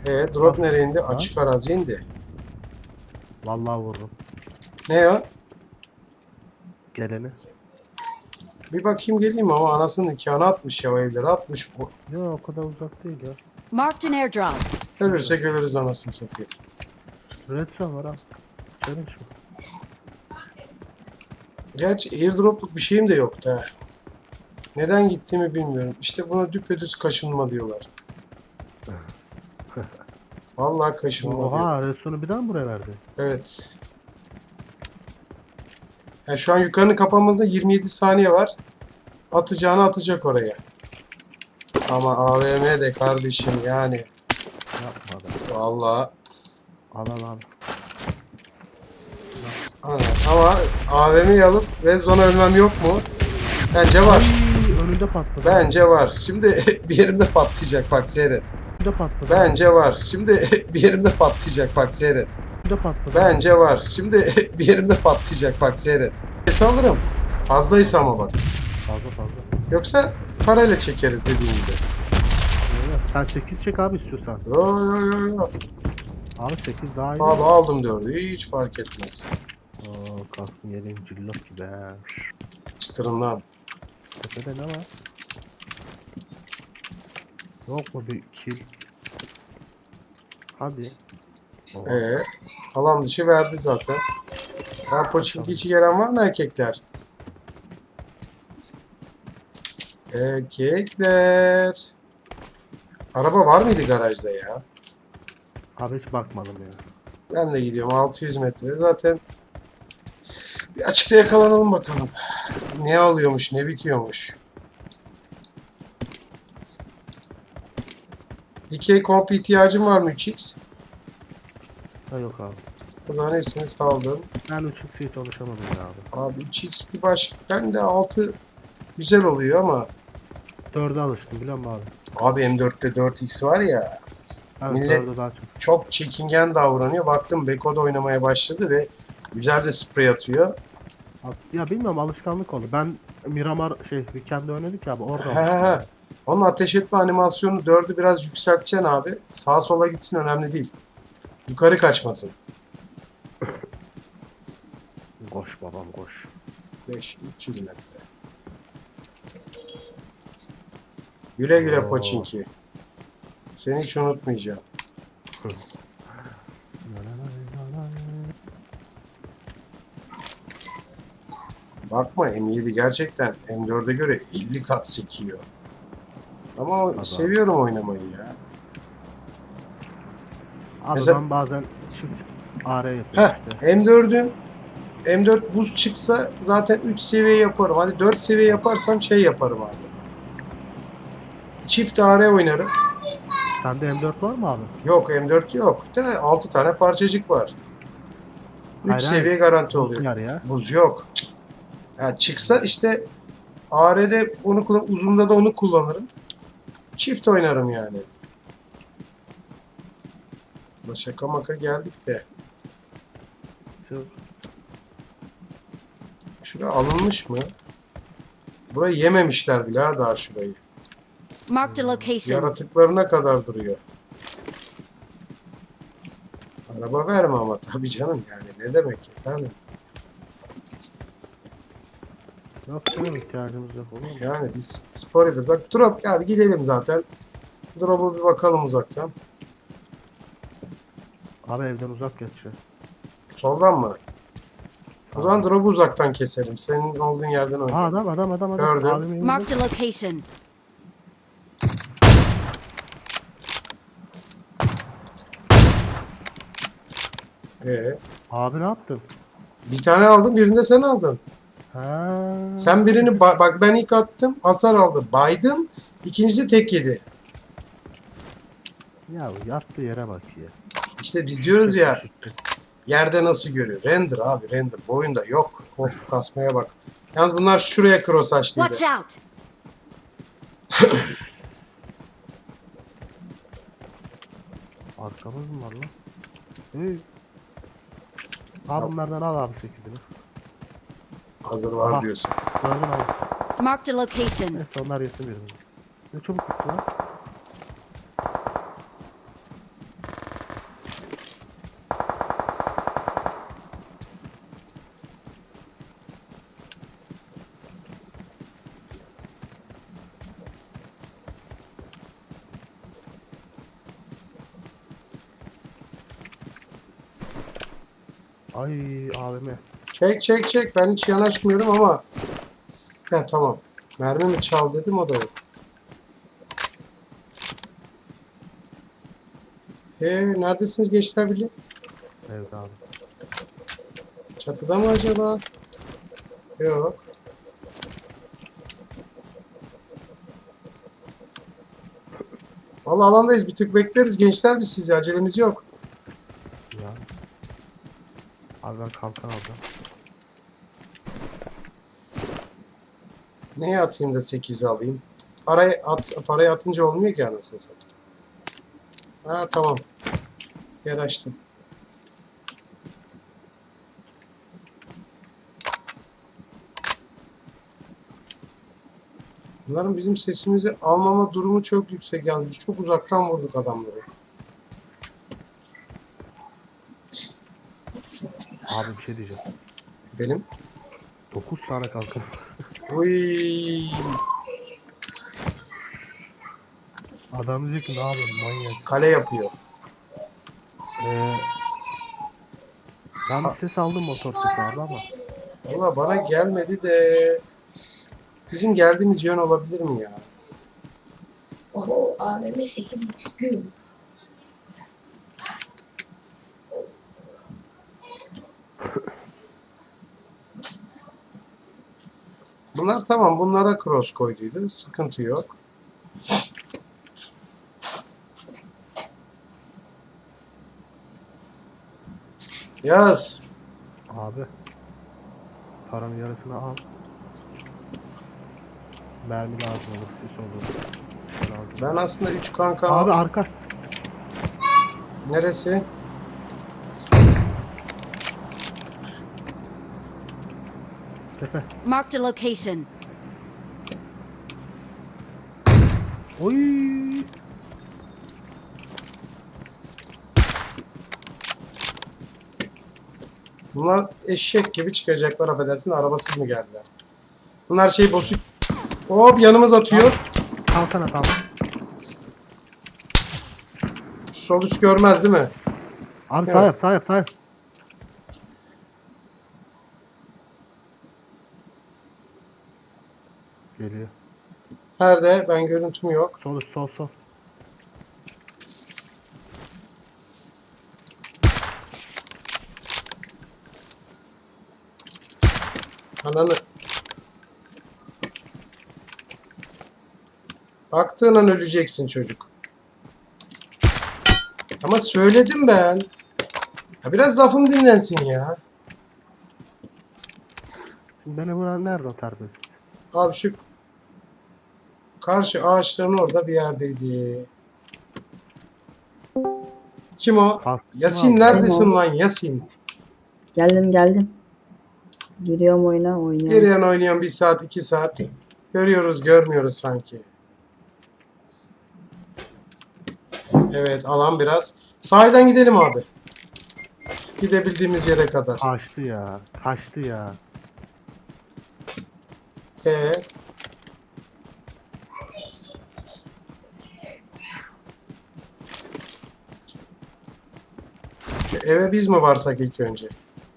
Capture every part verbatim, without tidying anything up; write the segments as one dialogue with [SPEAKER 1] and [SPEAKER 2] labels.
[SPEAKER 1] E drop nereye indi?
[SPEAKER 2] Ha?
[SPEAKER 1] Açık arazi indi.
[SPEAKER 2] Vallahi vururum.
[SPEAKER 1] Ne o?
[SPEAKER 2] Geleni.
[SPEAKER 1] Bir bakayım geleyim ama anasının nikahını atmış ya, o evleri atmış.
[SPEAKER 2] Yok o kadar uzak değil ya.
[SPEAKER 3] Marked an airdrop.
[SPEAKER 1] Ölürsek ölürüz anasını satayım.
[SPEAKER 2] Red zone var ha. Challenge mi?
[SPEAKER 1] Gerçi airdropluk bir şeyim de yoktu ha. Neden gittiğimi bilmiyorum. İşte buna düpedüz kaşınma diyorlar. Vallahi kaşınma diyor.
[SPEAKER 2] Oha red zone'u bir daha mı buraya verdi?
[SPEAKER 1] Evet. Yani şu an yukarının kapanmasına yirmi yedi saniye var. Atacağını atacak oraya. Ama A V M de kardeşim yani.
[SPEAKER 2] Yapma da.
[SPEAKER 1] Vallahi.
[SPEAKER 2] Al al al.
[SPEAKER 1] Aynen. Ama A V M'yi alıp red zone'a ölmem yok mu? Bence var.
[SPEAKER 2] Ay, önünde patladı.
[SPEAKER 1] Bence var. Şimdi bir yerimde patlayacak bak seyret.
[SPEAKER 2] Önünde patladı.
[SPEAKER 1] Bence var. Şimdi bir yerimde patlayacak bak seyret.
[SPEAKER 2] Önünde patladı.
[SPEAKER 1] Bence var. Şimdi bir yerimde patlayacak bak seyret. Ses alırım. Fazlaysa ama bak.
[SPEAKER 2] Fazla fazla.
[SPEAKER 1] Yoksa parayla çekeriz dediğim gibi.
[SPEAKER 2] Evet, sen sekiz çek abi istiyorsan.
[SPEAKER 1] Yo yo yo yo.
[SPEAKER 2] Abi sekiz daha iyi.
[SPEAKER 1] Abi aldım dördü. Hiç fark etmez.
[SPEAKER 2] Oo, kaskın yeleğin cillop gibi he.
[SPEAKER 1] Çıtırından.
[SPEAKER 2] Tepede ne var? Yok mu bir kill? Hadi. Oo.
[SPEAKER 1] Ee, alan dışı verdi zaten. Ya Poçinki içi gelen var mı erkekler? Erkekler. Araba var mıydı garajda ya?
[SPEAKER 2] Abi hiç bakmadım ya.
[SPEAKER 1] Ben de gidiyorum altı yüz metre. Zaten bir açıkta yakalanalım bakalım. Ne alıyormuş, ne bitiyormuş. Dikey komp ihtiyacın var mı üç x?
[SPEAKER 2] Ha yok abi.
[SPEAKER 1] O zaman hepsini saldım.
[SPEAKER 2] Ben üç x'e hiç alışamadım ya abi.
[SPEAKER 1] Abi üç x bir baş... Ben de altı güzel oluyor ama...
[SPEAKER 2] dörde alıştım biliyor musun abi?
[SPEAKER 1] Abi M dörtte dört x var ya...
[SPEAKER 2] Evet
[SPEAKER 1] Millet-
[SPEAKER 2] dörde daha çok.
[SPEAKER 1] Çok çekingen davranıyor. Baktım Beko'da oynamaya başladı ve güzel de sprey atıyor.
[SPEAKER 2] Abi, ya bilmiyorum alışkanlık oldu. Ben Miramar şey Weekend'de oynadık ya abi orada
[SPEAKER 1] He he
[SPEAKER 2] alıştım
[SPEAKER 1] he.
[SPEAKER 2] ya.
[SPEAKER 1] Onun ateş etme animasyonu dördü biraz yükselteceksin abi. Sağa sola gitsin önemli değil. Yukarı kaçmasın.
[SPEAKER 2] Koş babam koş.
[SPEAKER 1] beş üç yüz metre. Güle güle
[SPEAKER 2] Oo.
[SPEAKER 1] Poçinki. Seni hiç unutmayacağım. Bakma M yedi gerçekten M dörde göre elli kat sekiyor. Ama
[SPEAKER 2] Adam.
[SPEAKER 1] seviyorum oynamayı ya.
[SPEAKER 2] Abi
[SPEAKER 1] Mesela-
[SPEAKER 2] ben bazen çift A R yapıyorum
[SPEAKER 1] Heh,
[SPEAKER 2] işte.
[SPEAKER 1] M dördün M dört buz çıksa zaten üç seviye yaparım. Hadi dört seviye yaparsam şey yaparım abi. Çift A R oynarım.
[SPEAKER 2] Sende M dört var mı abi?
[SPEAKER 1] Yok M dört yok. De altı tane parçacık var. üç
[SPEAKER 2] Hayır,
[SPEAKER 1] seviye
[SPEAKER 2] hayır.
[SPEAKER 1] garanti
[SPEAKER 2] Buz
[SPEAKER 1] oluyor.
[SPEAKER 2] var ya.
[SPEAKER 1] Buz yok. Ya çıksa işte A R'de onu kullan, uzunda da onu kullanırım. Çift oynarım yani. Ulan şaka maka geldik de.
[SPEAKER 2] Şu-
[SPEAKER 1] Şuraya alınmış mı? Burayı yememişler bile ha daha şurayı.
[SPEAKER 3] Marked a location.
[SPEAKER 1] Yaratıklarına kadar duruyor. Araba verme ama tabii canım yani ne demek efendim.
[SPEAKER 2] Yok canım ihtiyacımız yok olur mu?
[SPEAKER 1] Yani biz spor yapıyoruz. Bak drop abi gidelim zaten. Drop'a bir bakalım uzaktan.
[SPEAKER 2] Abi evden uzak geçiyor.
[SPEAKER 1] Soldan mı? O zaman drop'u uzaktan keselim. Senin olduğun yerden
[SPEAKER 2] Aa
[SPEAKER 1] oynayalım.
[SPEAKER 2] adam adam adam adam.
[SPEAKER 1] Gördüm.
[SPEAKER 2] Abim elinde.
[SPEAKER 3] Marked a location.
[SPEAKER 1] Ee,
[SPEAKER 2] Abi ne yaptın?
[SPEAKER 1] bir tane aldım, birini de sen aldın.
[SPEAKER 2] Ha.
[SPEAKER 1] Sen birini ba- bak ben ilk attım, hasar aldı. Baydım. İkincisi tek yedi.
[SPEAKER 2] Ya yattığı yere bak ya.
[SPEAKER 1] İşte biz diyoruz ya yerde nasıl görüyor? Render abi render. Bu oyunda yok. Of kasmaya bak. Yalnız bunlar şuraya cross açtıydı.
[SPEAKER 3] Watch out.
[SPEAKER 2] Arkamız mı var lan? Hey. Abi bunlardan al abi sekizini.
[SPEAKER 1] Hazır var
[SPEAKER 2] Aha.
[SPEAKER 1] diyorsun.
[SPEAKER 2] Gördün abi.
[SPEAKER 3] Marked a location.
[SPEAKER 2] Neyse onlar yesin birini. Ne çabuk bitti lan. Ay abime.
[SPEAKER 1] Çek çek çek. Ben hiç yanaşmıyorum ama. He tamam. Mermi mi çal dedim, o da yok. Eee neredesiniz gençler birliği?
[SPEAKER 2] Evet abi.
[SPEAKER 1] Çatıda mı acaba? Yok. Vallahi alandayız. Bir tık bekleriz gençler, biz sizi. Acelemiz yok.
[SPEAKER 2] Ya. Abi ben kalkan alacağım.
[SPEAKER 1] Neye atayım da sekizi alayım? Parayı at, parayı atınca olmuyor ki anasını satayım. Ha tamam. Yer açtım. Bunların bizim sesimizi almama durumu çok yüksek. Yani biz çok uzaktan vurduk adamları.
[SPEAKER 2] Abi bir şey diyeceğim.
[SPEAKER 1] Benim.
[SPEAKER 2] dokuz tane kalkan.
[SPEAKER 1] Uy.
[SPEAKER 2] Adam diyecek ki ne yapıyorsun manyak.
[SPEAKER 1] Kale yapıyor.
[SPEAKER 2] Ee, ben bir ses aldım, motor sesi abi ama.
[SPEAKER 1] Valla bana gelmedi de bizim geldiğimiz yön olabilir mi ya?
[SPEAKER 4] Oho, A V M sekiz x gün.
[SPEAKER 1] Bunlar tamam, bunlara cross koyduydu. Sıkıntı yok. Yaz.
[SPEAKER 2] Abi. Paranın yarısını al. Mermi lazım olur, sis olur. Bir şey lazım.
[SPEAKER 1] Ben aslında üç kanka...
[SPEAKER 2] Abi arka.
[SPEAKER 1] Neresi?
[SPEAKER 2] Tepe.
[SPEAKER 3] Marked a location.
[SPEAKER 2] Oy.
[SPEAKER 1] Bunlar eşek gibi çıkacaklar, affedersin, arabasız mı geldiler? Bunlar şey bozuk. Hop yanımız atıyor.
[SPEAKER 2] Kalkan at abi.
[SPEAKER 1] Sol üst görmez değil mi?
[SPEAKER 2] Abi
[SPEAKER 1] Evet.
[SPEAKER 2] sağ yap, sağ yap, sağ yap. Geliyor.
[SPEAKER 1] Nerede? Ben görüntüm yok.
[SPEAKER 2] Sol üst, sol sol.
[SPEAKER 1] Ananı. Baktığın an öleceksin çocuk. Ama söyledim ben. Ya biraz lafım dinlensin ya.
[SPEAKER 2] Şimdi beni vuran nerede o terbiyesiz?
[SPEAKER 1] Abi şu karşı ağaçların orada bir yerdeydi. Kim o?
[SPEAKER 2] Kastım
[SPEAKER 1] Yasin
[SPEAKER 2] abi.
[SPEAKER 1] neredesin lan Yasin?
[SPEAKER 5] Geldim geldim. Giriyorum oyuna oynuyorum.
[SPEAKER 1] Geriyen oynayan bir saat iki saat. Görüyoruz görmüyoruz sanki. Evet alan biraz. Sahilden gidelim abi. Gidebildiğimiz yere kadar.
[SPEAKER 2] Kaçtı ya. Kaçtı ya.
[SPEAKER 1] Ee, şu eve biz mi varsak ilk önce?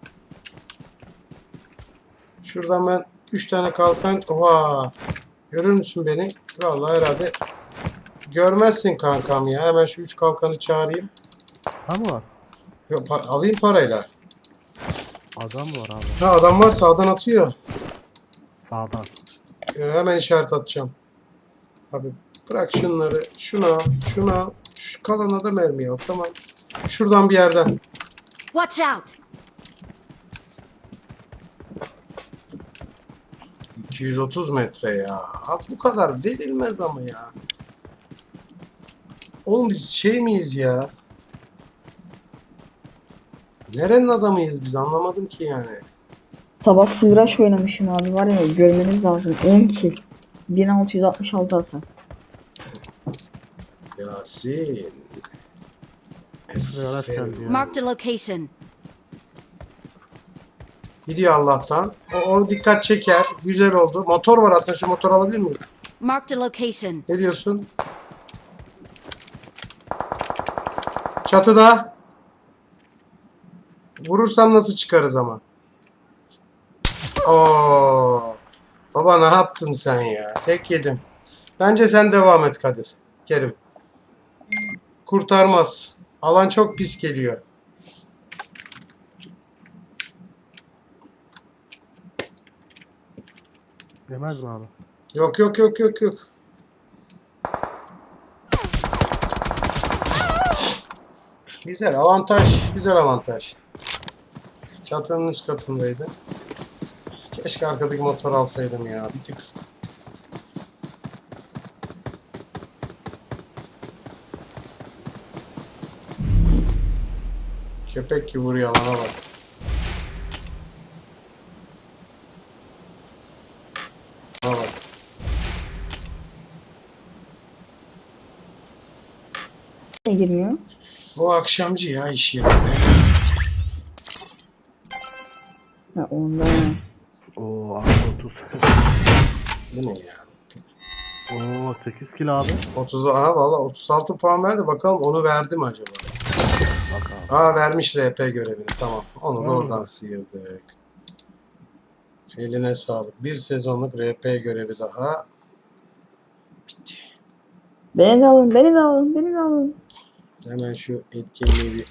[SPEAKER 1] Şuradan ben üç tane kalkan... Oha! Görür müsün beni? Vallahi herhalde görmezsin kankam ya. Hemen şu üç kalkanı çağırayım.
[SPEAKER 2] Ha mı var?
[SPEAKER 1] Yok, pa- alayım parayla.
[SPEAKER 2] Adam mı var abi?
[SPEAKER 1] Ha adam var, sağdan atıyor.
[SPEAKER 2] Sağdan.
[SPEAKER 1] Ee, hemen işaret atacağım. Abi bırak şunları. Şuna al, şuna al. Şu kalana da mermi al. Tamam. Şuradan bir yerden.
[SPEAKER 3] Watch out!
[SPEAKER 1] iki yüz otuz metre ya. Abi bu kadar verilmez ama ya. Oğlum biz şey miyiz ya? Nerenin adamıyız biz, anlamadım ki yani.
[SPEAKER 5] Sabah full rush oynamışım abi, var ya, görmeniz lazım. on kill. bin altı yüz altmış altı hasar.
[SPEAKER 1] Yasin.
[SPEAKER 2] Buraya araç
[SPEAKER 1] Aferin.
[SPEAKER 2] geldi ya.
[SPEAKER 3] Marked a location.
[SPEAKER 1] Gidiyor Allah'tan. O, o dikkat çeker. Güzel oldu. Motor var aslında. Şu motor alabilir miyiz?
[SPEAKER 3] Marked a location.
[SPEAKER 1] Ne diyorsun? Çatıda. Vurursam nasıl çıkarız ama? Oo. Baba ne yaptın sen ya? Tek yedim. Bence sen devam et Kadir. Kerim. Kurtarmaz. Alan çok pis geliyor.
[SPEAKER 2] Yemez mi abi?
[SPEAKER 1] Yok yok yok yok yok. Güzel avantaj. Güzel avantaj. Çatının üst katındaydı. Keşke arkadaki motor alsaydım ya. Bir tık. Köpek gibi vuruyor alana bak. Alana bak.
[SPEAKER 5] Ne girmiyor?
[SPEAKER 1] O akşamcı ya iş yerinde.
[SPEAKER 5] Ha onda.
[SPEAKER 2] Oo abi otuz.
[SPEAKER 1] Bu ne ya?
[SPEAKER 2] Oo sekiz kilo abi.
[SPEAKER 1] otuz aha valla otuz altı puan verdi. Bakalım onu verdi mi acaba?
[SPEAKER 2] Bak abi.
[SPEAKER 1] Aa vermiş R P görevini. Tamam. Onu da
[SPEAKER 2] Hmm.
[SPEAKER 1] oradan sıyırdık. Eline sağlık. Bir sezonluk R P görevi daha. Bitti.
[SPEAKER 5] Beni de alın, beni de alın, beni de alın.
[SPEAKER 1] Hemen şu etkinliği bir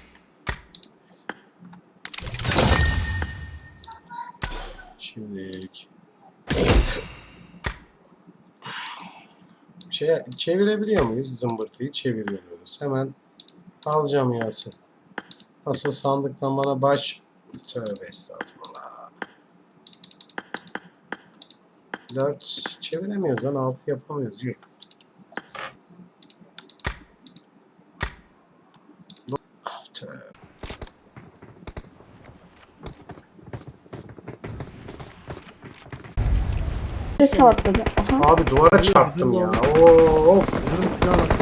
[SPEAKER 1] şimdi şey çevirebiliyor muyuz? Zımbırtıyı çeviriyoruz. Hemen alacağım Yasin. Nasıl sandıktan bana baş tövbe estağfurullah. dört çeviremiyoruz lan altı yapamıyoruz. Yok. Tövbe.
[SPEAKER 5] Bir sartladı. Aha.
[SPEAKER 1] Abi duvara çarptım ya. Oo, of.
[SPEAKER 2] Yarım silah var.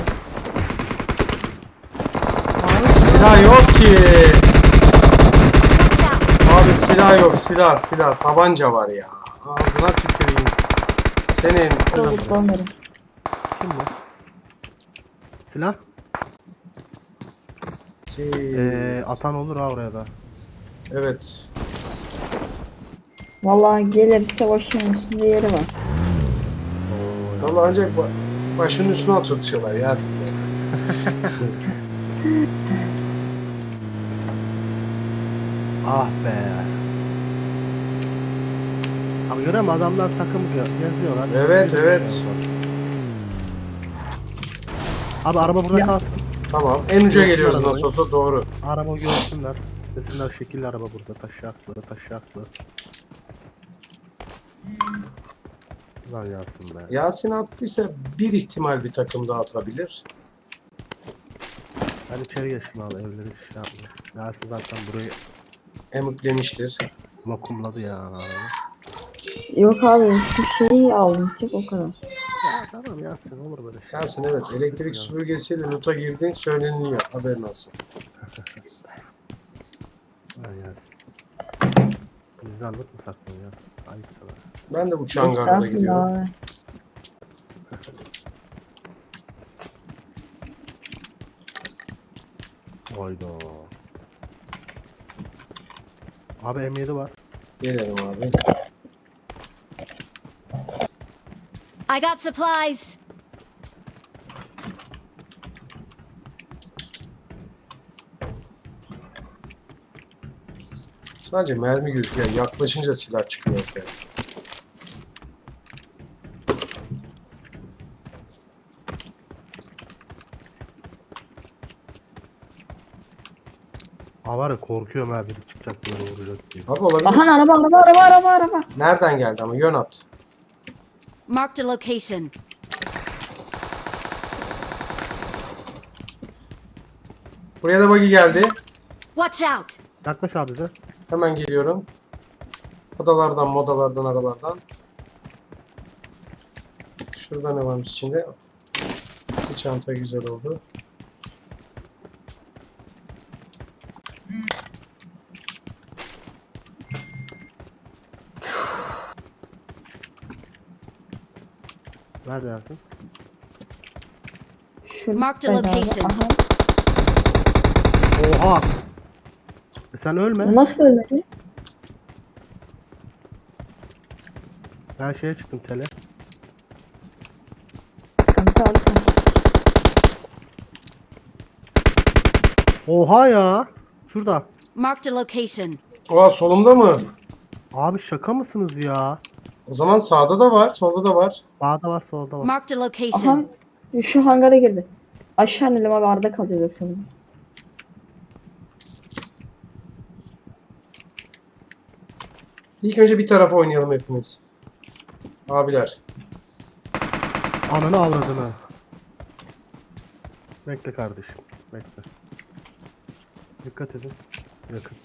[SPEAKER 1] Silah yok ki.
[SPEAKER 3] Watch out!
[SPEAKER 1] Abi silah yok. Silah silah. Tabanca var ya. Ağzına tüküreyim. Senin.
[SPEAKER 5] Soluklanırım.
[SPEAKER 2] Kim bu? Silah?
[SPEAKER 1] Siz.
[SPEAKER 2] Ee, atan olur ha oraya da.
[SPEAKER 1] Evet.
[SPEAKER 5] Vallahi gelirse başının üstünde yeri var.
[SPEAKER 2] Oo,
[SPEAKER 1] Vallahi ancak ba- başının üstüne oturtuyorlar ya size.
[SPEAKER 2] ah be. Abi görüyor musun adamlar takım ge- geziyorlar.
[SPEAKER 1] Evet,
[SPEAKER 2] Bir
[SPEAKER 1] evet.
[SPEAKER 2] geziyorlar. Abi araba burada
[SPEAKER 5] Silah.
[SPEAKER 2] kalsın.
[SPEAKER 1] Tamam. En uca
[SPEAKER 2] Yok,
[SPEAKER 1] geliyoruz
[SPEAKER 2] arabayı.
[SPEAKER 1] nasıl olsa doğru.
[SPEAKER 2] Araba görsünler. Desinler şekilli araba burada. Taşaklı, taşaklı. Lan Yasin be.
[SPEAKER 1] Yasin attıysa bir ihtimal bir takım daha atabilir.
[SPEAKER 2] Ben içeri geçtim abi evleri şey yapmıyor. Yasin zaten burayı
[SPEAKER 1] Emüklemiştir.
[SPEAKER 2] vakumladı ya. Abi.
[SPEAKER 5] Yok abi şu şeyi aldım tek o kadar.
[SPEAKER 2] Ya tamam Yasin olur böyle şey.
[SPEAKER 1] Yasin evet elektrik süpürgesiyle loot'a girdiğin söyleniliyor. Haberin olsun.
[SPEAKER 2] Lan Yasin. Bizden loot mu saklıyor Yasin? Ayıp sana.
[SPEAKER 1] Ben de bu çangarlara
[SPEAKER 5] Estağfurullah
[SPEAKER 1] gidiyorum.
[SPEAKER 5] abi.
[SPEAKER 2] Hayda. Abi M yedi var.
[SPEAKER 1] Gelelim abi.
[SPEAKER 3] I got supplies!
[SPEAKER 1] Sadece mermi gözüküyor. Yaklaşınca silah çıkıyor ortaya.
[SPEAKER 2] Ha var ya korkuyorum ha biri çıkacak böyle vuracak diye.
[SPEAKER 1] Abi olabilir.
[SPEAKER 5] Aha araba araba araba araba araba.
[SPEAKER 1] Nereden geldi ama yön at.
[SPEAKER 3] Marked a location.
[SPEAKER 1] Buraya da buggy geldi.
[SPEAKER 3] Watch out!
[SPEAKER 2] Yaklaş abi bize.
[SPEAKER 1] Hemen geliyorum. Adalardan, modalardan, aralardan. Şurada ne varmış içinde? Bir çanta güzel oldu.
[SPEAKER 2] Nerede Yasin?
[SPEAKER 5] Şurada
[SPEAKER 3] Marked a
[SPEAKER 5] abi.
[SPEAKER 3] location.
[SPEAKER 5] Aha.
[SPEAKER 2] Oha! E sen ölme.
[SPEAKER 5] Nasıl ölmedi?
[SPEAKER 2] Ben şeye çıktım tele.
[SPEAKER 5] Sıkıntı abi.
[SPEAKER 2] Oha ya. Şurada.
[SPEAKER 3] Marked a location.
[SPEAKER 1] Oha, solumda mı?
[SPEAKER 2] Abi şaka mısınız ya?
[SPEAKER 1] O zaman sağda da var, solda da var.
[SPEAKER 2] Sağda var solda var.
[SPEAKER 3] Marked a
[SPEAKER 5] Aha.
[SPEAKER 3] location.
[SPEAKER 5] Şu hangara girdi. Aşağı inelim abi, arada kalacağız yoksa bunu.
[SPEAKER 1] İlk önce bir tarafa oynayalım hepimiz. Abiler.
[SPEAKER 2] Ananı avradını. Bekle kardeşim. Bekle. Dikkat edin. Yakın.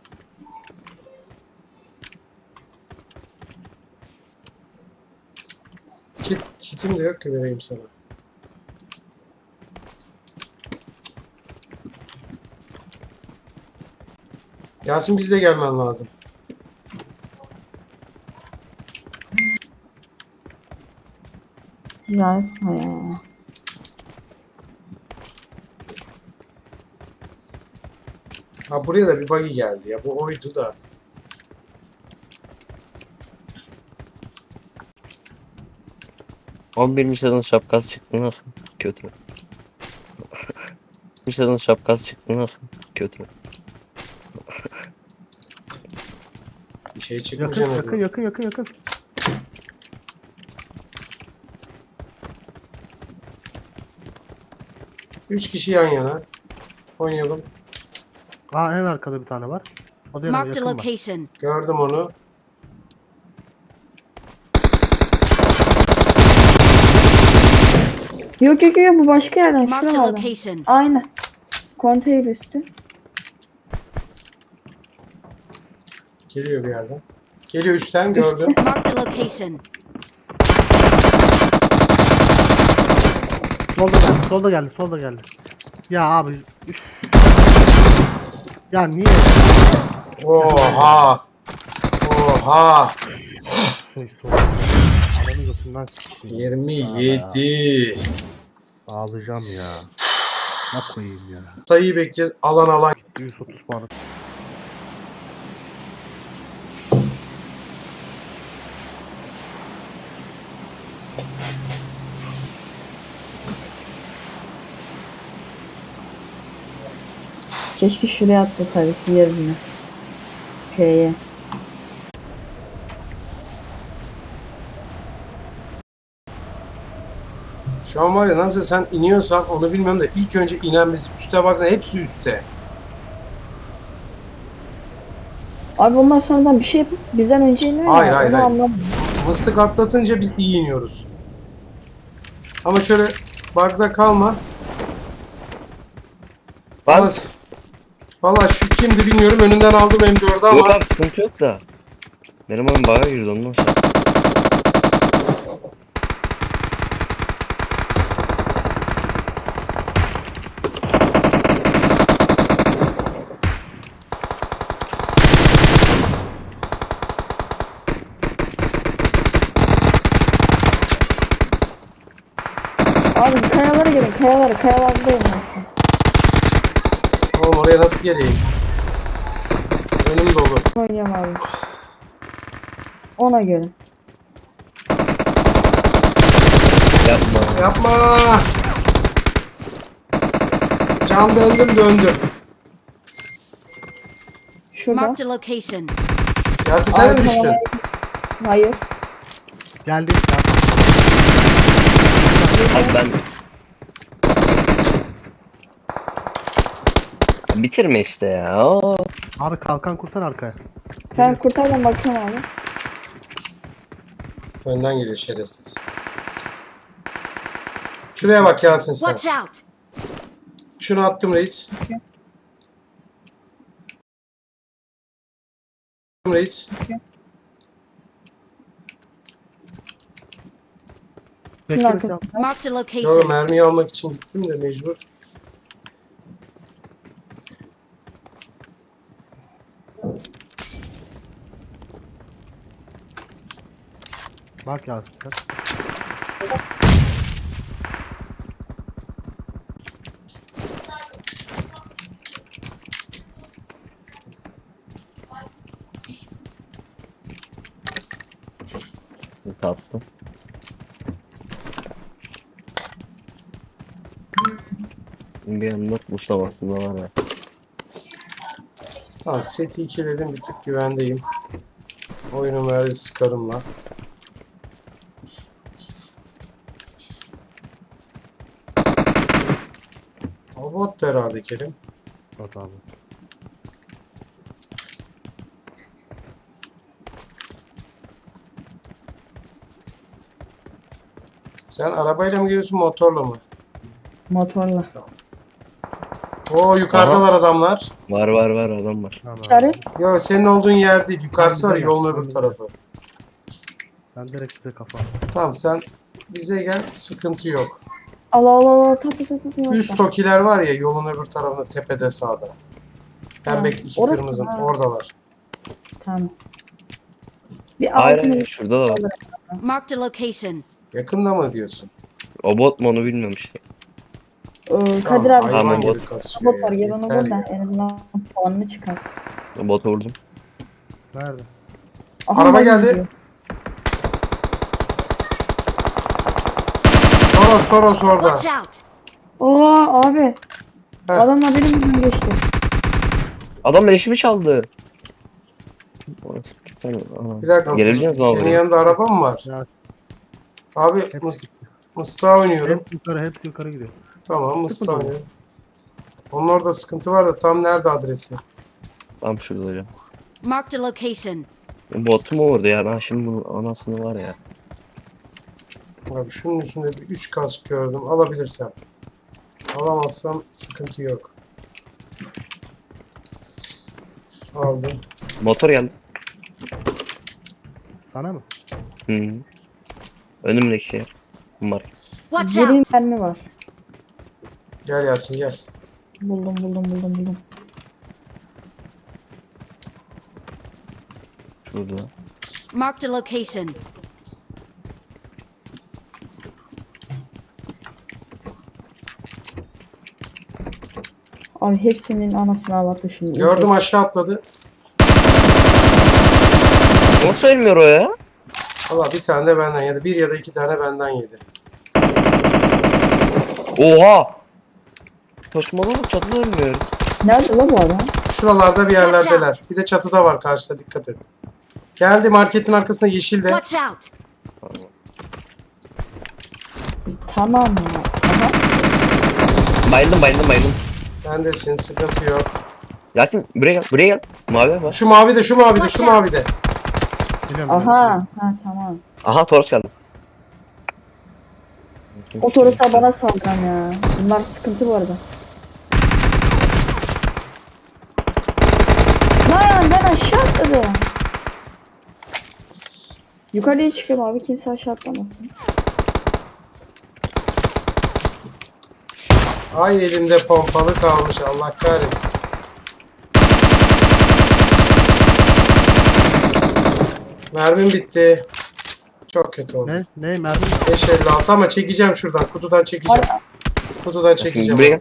[SPEAKER 1] Kit, kitim de yok ki vereyim sana. Yasin, bizle gelmen lazım.
[SPEAKER 5] Ya Esma ya.
[SPEAKER 1] Ha, buraya da bir buggy geldi ya. Bu oydu da.
[SPEAKER 6] on bir Michelin şapkası çıktı nasıl? Kötü. Michelin şapkası çıktı nasıl? Kötü.
[SPEAKER 1] Bir şey
[SPEAKER 2] Yakın
[SPEAKER 1] çıkmayacak. en
[SPEAKER 2] yakın
[SPEAKER 1] azından.
[SPEAKER 2] yakın yakın yakın.
[SPEAKER 1] Üç kişi yan yana. Oynayalım.
[SPEAKER 2] Aa en arkada bir tane var. O da yanına
[SPEAKER 3] Marked a
[SPEAKER 2] yakın var.
[SPEAKER 3] location.
[SPEAKER 1] Gördüm onu.
[SPEAKER 5] Yok yok yok, bu başka yerden.
[SPEAKER 3] Marked
[SPEAKER 5] Şuradan
[SPEAKER 3] a
[SPEAKER 5] aldım.
[SPEAKER 3] location.
[SPEAKER 5] Aynen. Konteyner üstü.
[SPEAKER 1] Geliyor bir yerden. Geliyor üstten, gördüm.
[SPEAKER 3] Marked a location.
[SPEAKER 2] Solda geldi, solda geldi, solda geldi. Ya abi. Üf. Ya niye?
[SPEAKER 1] Oha. Oha.
[SPEAKER 2] Şey solda. Adamın gözünden sikeyim.
[SPEAKER 1] yirmi yedi.
[SPEAKER 2] Ağlayacağım ya. Ne koyayım ya.
[SPEAKER 1] Sayıyı bekleyeceğiz. Alan alan.
[SPEAKER 2] yüz otuz puan.
[SPEAKER 5] Keşke şuraya atlasaydık yerine. Şeye.
[SPEAKER 1] Şu an var ya, nasıl sen iniyorsan onu bilmem de ilk önce inen biz. Üste baksana, hepsi üstte.
[SPEAKER 5] Abi onlar sonradan bir şey yapıp bizden önce iniyor ya.
[SPEAKER 1] Hayır, hayır,
[SPEAKER 5] onu
[SPEAKER 1] hayır.
[SPEAKER 5] anlamadım.
[SPEAKER 1] Mıstık atlatınca biz iyi iniyoruz. Ama şöyle bug'da kalma. Valla,
[SPEAKER 6] Bak.
[SPEAKER 1] valla şu kimdi bilmiyorum, önünden aldım M dördü
[SPEAKER 6] Yok
[SPEAKER 1] ama
[SPEAKER 6] abi sıkıntı yok da. Benim oyun baga girdi ondan sonra.
[SPEAKER 5] Abi kayalara gelin, kayalara, kayalardayım ben şu an.
[SPEAKER 1] oğlum oraya nasıl geleyim? Önüm dolu.
[SPEAKER 5] Oynayacağım abi. Ona göre.
[SPEAKER 6] Yapma.
[SPEAKER 1] Yapma. Can döndüm döndüm.
[SPEAKER 5] Şurada.
[SPEAKER 3] Marked a location.
[SPEAKER 1] Yasin sen mi
[SPEAKER 5] Abi,
[SPEAKER 1] düştün?
[SPEAKER 5] tamam. Hayır.
[SPEAKER 2] Geldi.
[SPEAKER 6] Abi ben... Bitirme işte ya. Oo.
[SPEAKER 2] Abi kalkan kursan arkaya.
[SPEAKER 5] Sen kurtar, ben bakıyorum abi.
[SPEAKER 1] Önden geliyor şerefsiz. Şuraya bak Yasin sen.
[SPEAKER 3] Watch out.
[SPEAKER 1] Şunu attım reis. Reis.
[SPEAKER 2] Bekle bekle.
[SPEAKER 5] arkasında.
[SPEAKER 3] Marked a
[SPEAKER 1] Yo,
[SPEAKER 3] location.
[SPEAKER 1] mermiyi almak için gittim de mecbur.
[SPEAKER 2] Bak Yasin sen.
[SPEAKER 6] Tatlı. Bir anda Mustafa'sında var ya.
[SPEAKER 1] Tamam, seti ikiledim, bir tık güvendeyim. Oyunun verdiği sıkarımla. O bot da herhalde Kerim.
[SPEAKER 2] Bak abi.
[SPEAKER 1] Sen arabayla mı geliyorsun, motorla mı?
[SPEAKER 5] Motorla.
[SPEAKER 1] Oo, yukarıdalar adamlar.
[SPEAKER 6] Var var var adam var.
[SPEAKER 2] Tamam.
[SPEAKER 5] İşaret.
[SPEAKER 1] Yo, senin olduğun yer değil. Yukarısı var,
[SPEAKER 2] Güzel
[SPEAKER 1] yolun
[SPEAKER 2] yaptın.
[SPEAKER 1] öbür tarafı.
[SPEAKER 2] Sen direkt bize kafa.
[SPEAKER 1] Tamam, sen bize gel, sıkıntı yok.
[SPEAKER 5] Allah Allah Allah. Tapa tapa tapa.
[SPEAKER 1] Üst tokiler var ya, yolun öbür tarafında, tepede sağda. Pembe
[SPEAKER 5] Ha,
[SPEAKER 1] iki
[SPEAKER 5] orası
[SPEAKER 1] kırmızı,
[SPEAKER 5] mı? Ha.
[SPEAKER 1] oradalar.
[SPEAKER 5] Tamam. Bir
[SPEAKER 6] Hayır
[SPEAKER 5] altın
[SPEAKER 6] hayır şurada da var.
[SPEAKER 3] Marked a location.
[SPEAKER 1] Yakında mı diyorsun?
[SPEAKER 6] O bot mu onu bilmiyorum işte.
[SPEAKER 5] Ee,
[SPEAKER 1] Şu an
[SPEAKER 5] Kadir abi.
[SPEAKER 1] hayvan
[SPEAKER 6] Tamam,
[SPEAKER 1] gibi
[SPEAKER 6] bot.
[SPEAKER 1] kasıyor
[SPEAKER 5] Bot var.
[SPEAKER 1] ya,
[SPEAKER 5] Gel onu
[SPEAKER 1] yeter
[SPEAKER 5] vur da
[SPEAKER 1] ya.
[SPEAKER 5] en azından puanını çıkar.
[SPEAKER 6] Bota vurdum.
[SPEAKER 2] Nerede?
[SPEAKER 5] Aha,
[SPEAKER 1] Araba
[SPEAKER 5] ben
[SPEAKER 1] geldi.
[SPEAKER 5] gidiyorum.
[SPEAKER 1] Toros Toros orada.
[SPEAKER 3] Watch out!
[SPEAKER 5] Oo abi.
[SPEAKER 1] Heh.
[SPEAKER 5] Adamla benim yüzüm geçti.
[SPEAKER 6] Adam leşimi çaldı. Orası bir tane- aha.
[SPEAKER 1] Bir dakika,
[SPEAKER 6] Gelebiliyor musun abi
[SPEAKER 1] senin
[SPEAKER 6] buraya?
[SPEAKER 1] yanında araba mı var?
[SPEAKER 2] Ya
[SPEAKER 1] Abi
[SPEAKER 2] hepsi
[SPEAKER 1] mıs
[SPEAKER 2] gitti.
[SPEAKER 1] mıstığa oynuyorum.
[SPEAKER 2] Hepsi yukarı, hepsi yukarı gidiyor.
[SPEAKER 1] Tamam, mıstığa
[SPEAKER 2] Sıkıntı yok.
[SPEAKER 1] oynuyorum. Onun orada sıkıntı var da tam nerede adresi?
[SPEAKER 6] Tam şurada hocam.
[SPEAKER 3] Marked a location.
[SPEAKER 6] Botu mu vurdu ya? Ben şimdi bunun anasını var ya.
[SPEAKER 1] Abi şunun üstünde bir üç kask gördüm. Alabilirsem. Alamazsam sıkıntı yok. Aldım.
[SPEAKER 6] Motor geldi.
[SPEAKER 2] Sana mı?
[SPEAKER 6] Hı -hı. Önümdeki şey. Bunlar.
[SPEAKER 3] Watch
[SPEAKER 5] Yirmi
[SPEAKER 3] out!
[SPEAKER 5] mermi var.
[SPEAKER 1] Gel Yasin gel.
[SPEAKER 5] Buldum buldum buldum buldum.
[SPEAKER 6] Şurada.
[SPEAKER 3] Marked a location.
[SPEAKER 5] Abi hepsinin anasını ağlattı şimdi.
[SPEAKER 1] Gördüm, aşağı atladı.
[SPEAKER 6] Nasıl ölmüyor o ya?
[SPEAKER 1] Valla bir tane de benden yedi. Bir ya da iki tane benden yedi.
[SPEAKER 6] Oha! Saçmalama çatıda ölmüyor.
[SPEAKER 5] Nerede la bu adam?
[SPEAKER 1] Şuralarda bir yerlerdeler. Bir de çatıda var karşıda, dikkat et. Geldi, marketin arkasında yeşilde.
[SPEAKER 3] Watch out!
[SPEAKER 5] Tamam ya. Aha.
[SPEAKER 6] Bayıldım bayıldım bayıldım.
[SPEAKER 1] Bendesin, sıkıntı yok.
[SPEAKER 6] Yasin buraya gel buraya gel. Mavi var.
[SPEAKER 1] Şu mavi de, şu mavi de, şu mavi de.
[SPEAKER 2] Biliyorum.
[SPEAKER 5] Aha. Ha tamam.
[SPEAKER 6] Aha Toros geldi.
[SPEAKER 5] O Toros'a bana saldıran ya. Bunlar sıkıntı bu arada. Lan ben aşağı atladım. Yukarıya çıkıyorum abi, kimse aşağı atlamasın.
[SPEAKER 1] Ay, elimde pompalı kalmış, Allah kahretsin. Mermim bitti. Çok kötü oldu.
[SPEAKER 2] Ne? Ne? Mermi?
[SPEAKER 1] beş elli altı ama çekeceğim şuradan. Kutudan çekeceğim. Kutudan
[SPEAKER 6] Buraya
[SPEAKER 1] çekeceğim.
[SPEAKER 6] gel.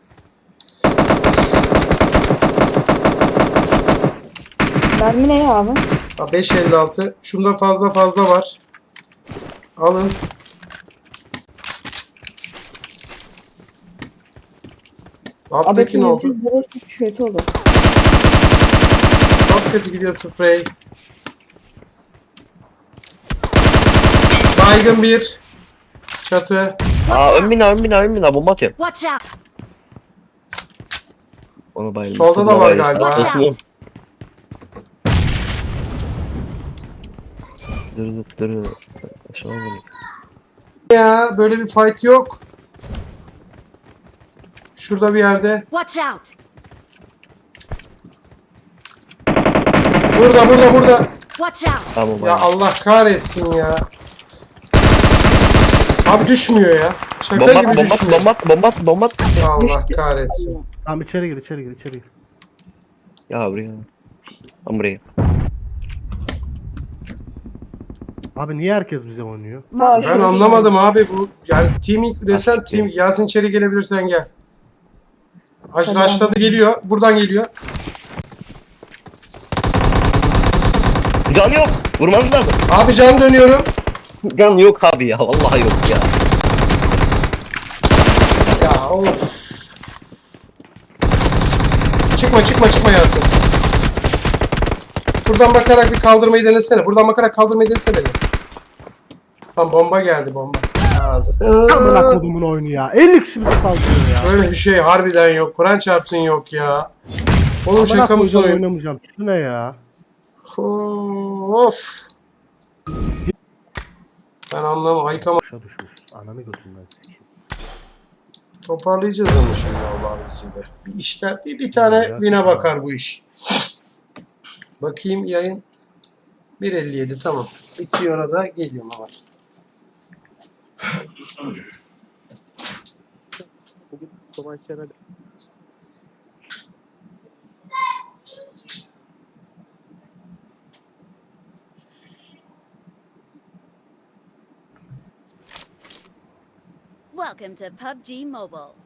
[SPEAKER 5] Mermi ne ya abi?
[SPEAKER 1] Ha, beş elli altı. Şunda fazla fazla var. Alın.
[SPEAKER 5] Abi
[SPEAKER 1] Alttaki ne oldu?
[SPEAKER 5] yüz burası kötü oldu.
[SPEAKER 1] Çok kötü gidiyor sprey. Baygın bir. Çatı.
[SPEAKER 6] Aa ön bina ön bina ön bina bomba atıyor.
[SPEAKER 3] Watch out!
[SPEAKER 6] Ona bayıldım.
[SPEAKER 1] Solda da
[SPEAKER 6] Solda
[SPEAKER 1] var
[SPEAKER 6] bayıldım.
[SPEAKER 1] galiba.
[SPEAKER 3] Watch out!
[SPEAKER 6] Dur dur dur. Aşağı bak.
[SPEAKER 1] Ya böyle bir fight yok. Şurada bir yerde.
[SPEAKER 3] Watch out!
[SPEAKER 1] Burada burada burada.
[SPEAKER 3] Watch out!
[SPEAKER 6] Tamam
[SPEAKER 1] Ya
[SPEAKER 6] bayıldım.
[SPEAKER 1] Allah kahretsin ya. Abi düşmüyor ya. Şaka
[SPEAKER 6] Bomba
[SPEAKER 1] gibi
[SPEAKER 6] at bomba at
[SPEAKER 1] düşmüyor.
[SPEAKER 6] bomba at bomba at bomba at.
[SPEAKER 1] Allah kahretsin.
[SPEAKER 2] Tamam içeri gir, içeri gir, içeri gir.
[SPEAKER 6] Ya buraya. Tam buraya.
[SPEAKER 2] Abi niye herkes bize oynuyor?
[SPEAKER 5] Ha,
[SPEAKER 1] Ben
[SPEAKER 5] şu-
[SPEAKER 1] anlamadım abi bu. Yani team desen team. Yasin içeri gelebilirsen gel. Aş
[SPEAKER 5] Tamam.
[SPEAKER 1] Raşladı geliyor. Buradan geliyor.
[SPEAKER 6] Can yok. Vurmanız lazım.
[SPEAKER 1] Abi can dönüyorum.
[SPEAKER 6] Can yok abi ya. Vallahi yok ya.
[SPEAKER 1] Ya of. Çıkma çıkma çıkma Yasin. Buradan bakarak bir kaldırmayı denesene. Buradan bakarak kaldırmayı denesene. Lan bomba geldi bomba.
[SPEAKER 2] Amına kodumun oyunu ya. elli kişi bize saldırıyor ya.
[SPEAKER 1] Böyle bir şey harbiden yok. Kur'an çarpsın yok ya. Oğlum
[SPEAKER 2] Amına
[SPEAKER 1] şaka mısın
[SPEAKER 2] koyacağım,
[SPEAKER 1] oyun?
[SPEAKER 2] oynamayacağım. Şu ne ya?
[SPEAKER 1] Of. Ben anlamam. Ayıkama.
[SPEAKER 2] Boşa düşmüş. Ananı götünden sikeyim.
[SPEAKER 1] Toparlayacağız onu şimdi Allah'ın izniyle. Bir işler, bir, bir tane bine bakar bu iş. Bakayım yayın. bir elli yedi tamam. Bitiyor orada geliyorum ama.
[SPEAKER 3] Welcome to P U B G Mobile.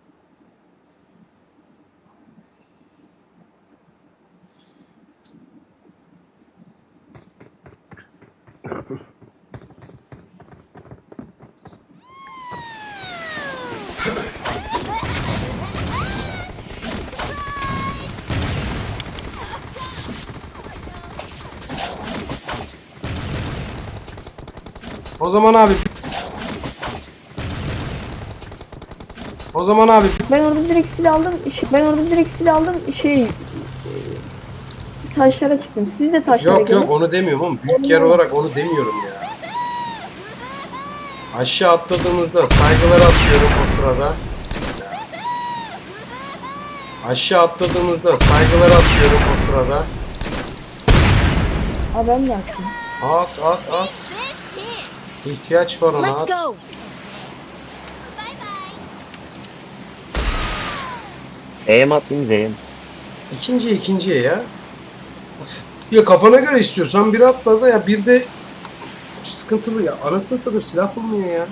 [SPEAKER 1] O zaman abi. O zaman abi.
[SPEAKER 5] Ben orada direkt silah aldım. iş- Ben orada direkt silah aldım. Şey e, taşlara çıktım. Siz de taşlara
[SPEAKER 1] Yok
[SPEAKER 5] gelin.
[SPEAKER 1] yok onu demiyorum ama büyük yer olarak onu demiyorum ya. Aşağı atladığımızda saygılar atıyorum o sırada. Aşağı atladığımızda saygılar atıyorum o sırada.
[SPEAKER 5] Aa ben de attım.
[SPEAKER 1] At at at. İhtiyaç var ona
[SPEAKER 3] Let's
[SPEAKER 1] at.
[SPEAKER 3] go.
[SPEAKER 6] E'ye mi atlayayım Z'ye mi?
[SPEAKER 1] İkinciye ikinciye ya. Ya kafana göre istiyorsan bir atla da ya bir de sıkıntılı ya. Anasını satayım silah bulmuyor ya.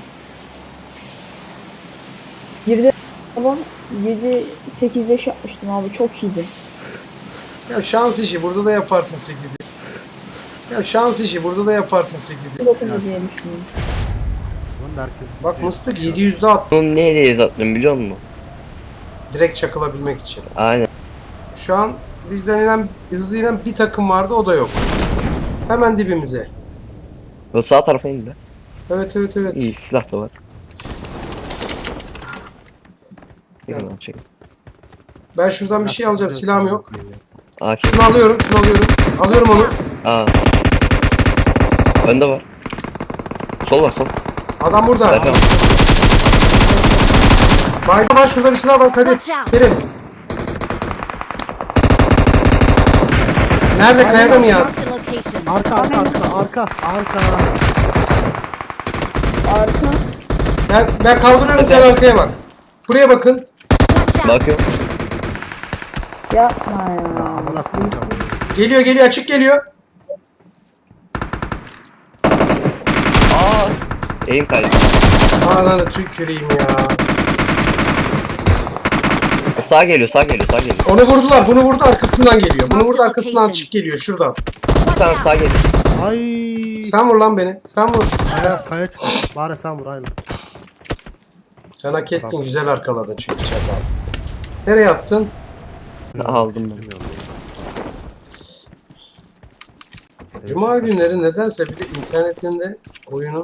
[SPEAKER 5] Bir de ama yedi sekiz beş yapmıştım abi. Çok iyiydi.
[SPEAKER 1] Ya şans işi burada da yaparsın sekizi. Ya şans işi burada da yaparsın sekizi.
[SPEAKER 5] dokuz diye düşünüyorum.
[SPEAKER 2] Lan da herkes
[SPEAKER 1] Bak Mıstık yedi yüzde at.
[SPEAKER 6] Bunu ne hediye attım biliyor musun?
[SPEAKER 1] Direkt çakılabilmek için.
[SPEAKER 6] Aynen.
[SPEAKER 1] Şu an bizden inen, hızlı inen bir takım vardı o da yok. Hemen dibimize.
[SPEAKER 6] O sağ tarafa indi.
[SPEAKER 1] Evet evet evet.
[SPEAKER 6] İyi silah da var.
[SPEAKER 1] Ya.
[SPEAKER 6] Hemen çekin.
[SPEAKER 1] Ben şuradan bir şey alacağım. Silahım yok.
[SPEAKER 6] A K.
[SPEAKER 1] Şunu alıyorum, şunu alıyorum. Alıyorum onu.
[SPEAKER 6] Aa. Önde var. Sol var sol.
[SPEAKER 1] Adam burada.
[SPEAKER 6] Zaten.
[SPEAKER 1] Bayda var şurada bir silah var Kadir.
[SPEAKER 3] Watch out.
[SPEAKER 1] Kerim. Nerede kayada mı yaz?
[SPEAKER 3] Marked a location.
[SPEAKER 2] Arka arka arka arka arka.
[SPEAKER 5] Arka.
[SPEAKER 1] Ben, ben kaldırıyorum sen arkaya bak. Buraya bakın.
[SPEAKER 3] Watch out.
[SPEAKER 6] Bakıyorum.
[SPEAKER 5] Yapma ya.
[SPEAKER 2] Amına koyacağım.
[SPEAKER 1] Geliyor geliyor açık geliyor.
[SPEAKER 6] Aa. Eğim kaydı.
[SPEAKER 1] Ananı tüküreyim ya.
[SPEAKER 6] Sağ geliyor sağ geliyor sağ geliyor.
[SPEAKER 1] Onu vurdular. Bunu vurdu arkasından geliyor. Bunu vurdu arkasından açık geliyor şuradan.
[SPEAKER 6] Bir tane sağ geliyor.
[SPEAKER 2] Ay.
[SPEAKER 1] Sen vur lan beni. Sen vur.
[SPEAKER 2] Kaya, kaya çık. Bari sen vur aynen.
[SPEAKER 1] Sen hak ettin. Güzel arkaladın çünkü çakal. Nereye attın?
[SPEAKER 6] Aldım ben.
[SPEAKER 1] Cuma günleri nedense bir de internetinde oyunun